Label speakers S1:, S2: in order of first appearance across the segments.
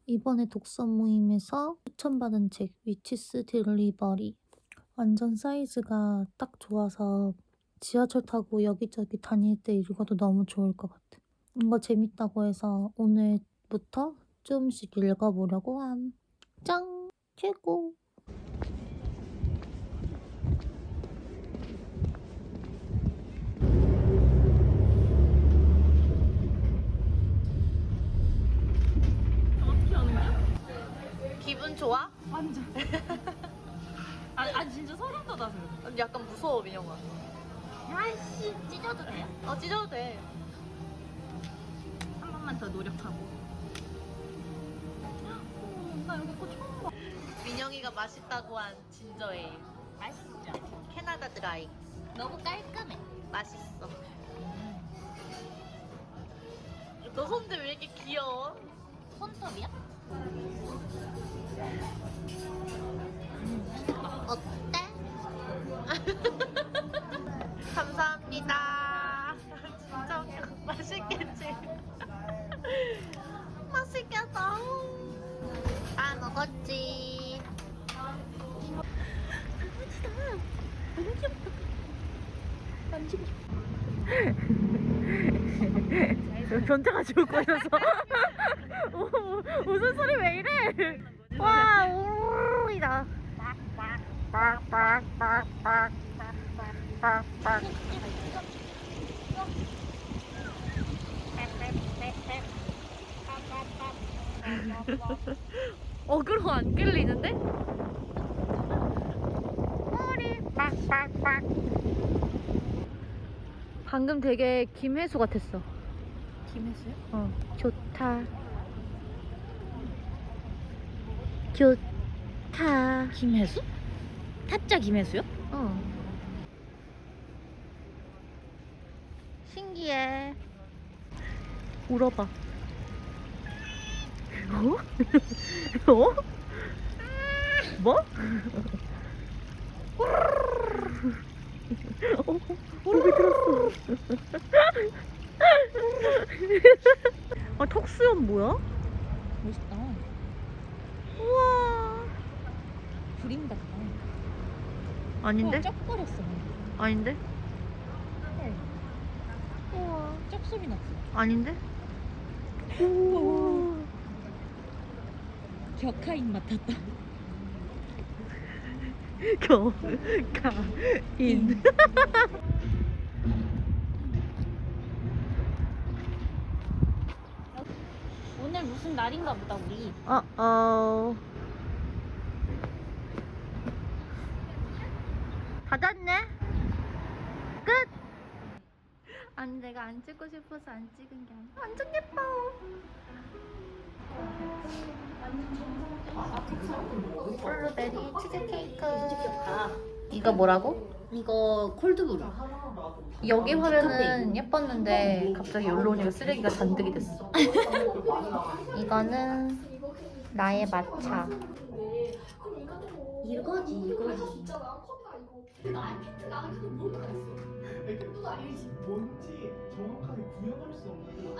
S1: 이번에 독서 모임에서 추천받은 책 위치스 딜리버리. 완전 사이즈가 딱 좋아서 지하철 타고 여기저기 다닐 때 읽어도 너무 좋을 것 같아. 이거 재밌다고 해서 오늘부터 조금씩 읽어보려고 함. 짱! 최고!
S2: 어떻게 하는 거야?
S1: 기분 좋아?
S2: 완전. 아니 진짜 소름 돋아서요.
S1: 약간 무서워, 민영아.
S2: 야이씨 찢어도 돼요?
S1: 찢어도 돼.
S2: 한 번만 더 노력하고. 나 여기 거 처음 봐.
S1: 민영이가 맛있다고 한 진저에일.
S2: 맛있죠?
S1: 캐나다 드라이.
S2: 너무 깔끔해.
S1: 맛있어. 너 손들 왜 이렇게 귀여워?
S2: 손톱이야?
S1: 어때? 감사합니다. 진짜 웃겨. 맛있겠지? 맛있겠다. 다 먹었지.
S2: 너무 귀엽다. 만지고 싶어.
S1: 변태가 죽을 거였어. 웃음소리 왜 이래? 와, 오이다. 빡빡빡빡빡빡빡. 어그로 안 끌리는데? 머리 빡빡빡. 방금 되게 김혜수 같았어.
S2: 김혜수요?
S1: 좋다. 좋다.
S2: 김혜수? 타짜 김혜수요?
S1: 신기해. 울어봐. 어? 어? 뭐? 목이 들었어. 턱수염 뭐야?
S2: 멋있다.
S1: 우와.
S2: 그림 같다.
S1: 아닌데?
S2: 쩍거렸어.
S1: 아닌데?
S2: 헐.
S1: 우와.
S2: 쩍 소리 났어.
S1: 아닌데?
S2: 우와. 격하인 맡았다.
S1: 격가인.
S2: 오늘 무슨 날인가 보다 우리.
S1: 닫았네? 끝! 아니 내가 안 찍고 싶어서 안 찍은 게 아니야. 완전 예뻐. 블루베리 치즈케이크. 이거 뭐라고?
S2: 이거 콜드브루.
S1: 여기 화면은 예뻤는데 갑자기 여기로 오니까 쓰레기가 잔뜩이 됐어. 이거는 나의 마차.
S2: 이거지.
S3: 뭔지 정확하게 구현할 수 없는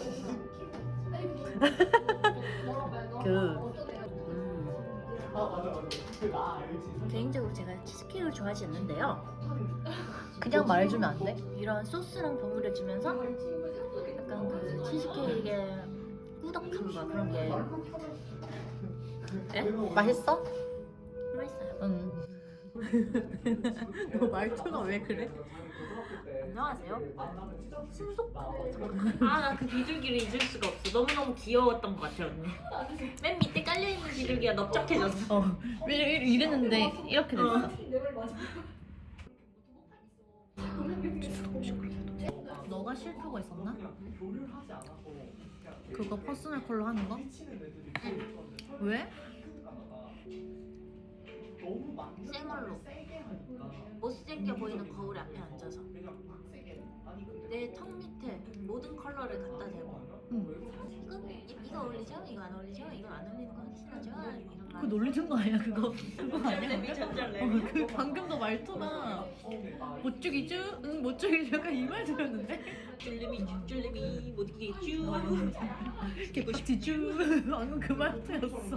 S3: 나 알지.
S2: 개인적으로 제가 치즈케이크를 좋아하지 않는데요.
S1: 그냥 말해주면 안 돼?
S2: 이런 소스랑 버무려지면서 약간 그 치즈케이크의 꾸덕함과 그런 게
S1: 맛있어?
S2: 맛있어요.
S1: 응. 너 말투가 왜 그래?
S2: 안녕하세요. 신속. 나 그 비둘기를 잊을 수가 없어. 너무너무 귀여웠던 것 같아 언니. 맨 밑에 깔려있는 비둘기가 넓적해졌어.
S1: 이랬는데 이렇게 됐어. 너가 싫다고 했었나? 그거 퍼스널 컬러 하는 거? 왜?
S2: 생얼로 못생겨 보이는 거울 앞에 앉아서 내 턱 밑에 모든 컬러를 갖다 대고 이거 어울리죠? 이거 안 어울리죠? 이거 안 어울리는 거 확실하죠? 이런 말.
S4: 그거 놀리는 거 아니야 그거? 그거 아니야?
S2: 전절레미 전절레미.
S4: 그 방금 너 말투가 못 죽이죠? 응 못 죽이죠? 약간 이 말 들었는데?
S2: 줄레미 줄레미 못 이기겠죠?
S4: 개빡치죠? 방금 그 말투였어.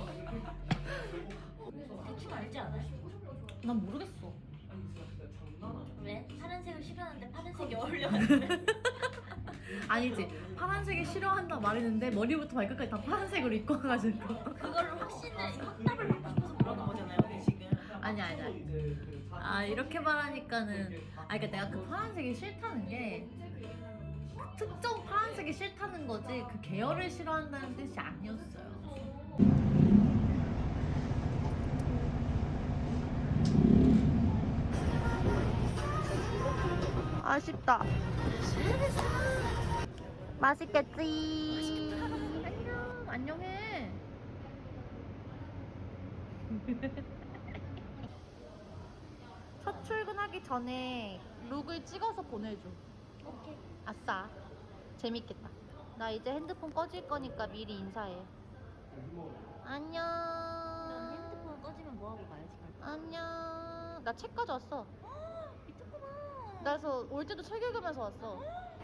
S2: 대충 알지 않아요?
S4: 난 모르겠어.
S2: 왜? 파란색을 싫어하는데 파란색이 어울려가지고.
S4: 아니지 파란색이 싫어한다 말했는데 머리부터 발끝까지 다 파란색으로 입고 와가지고.
S2: 그거를 확답을 받고 싶어서 그러는 거잖아요, 우리 지금.
S4: 아니야. 이렇게 말하니까는 그러니까 내가 그 파란색이 싫다는 게 특정 파란색이 싫다는 거지 그 계열을 싫어한다는 뜻이 아니었어요.
S1: 아쉽다. 맛있겠지.
S4: 안녕해. 첫 출근하기 전에 룩을 찍어서 보내줘.
S1: 오케이.
S4: 아싸. 재밌겠다. 나 이제 핸드폰 꺼질 거니까 미리 인사해. 안녕.
S2: 넌 핸드폰 꺼지면 뭐하고 가야지?
S4: 안녕. 나 책 가져왔어.
S2: 미쳤구나.
S4: 그래서 올 때도 책 읽으면서 왔어.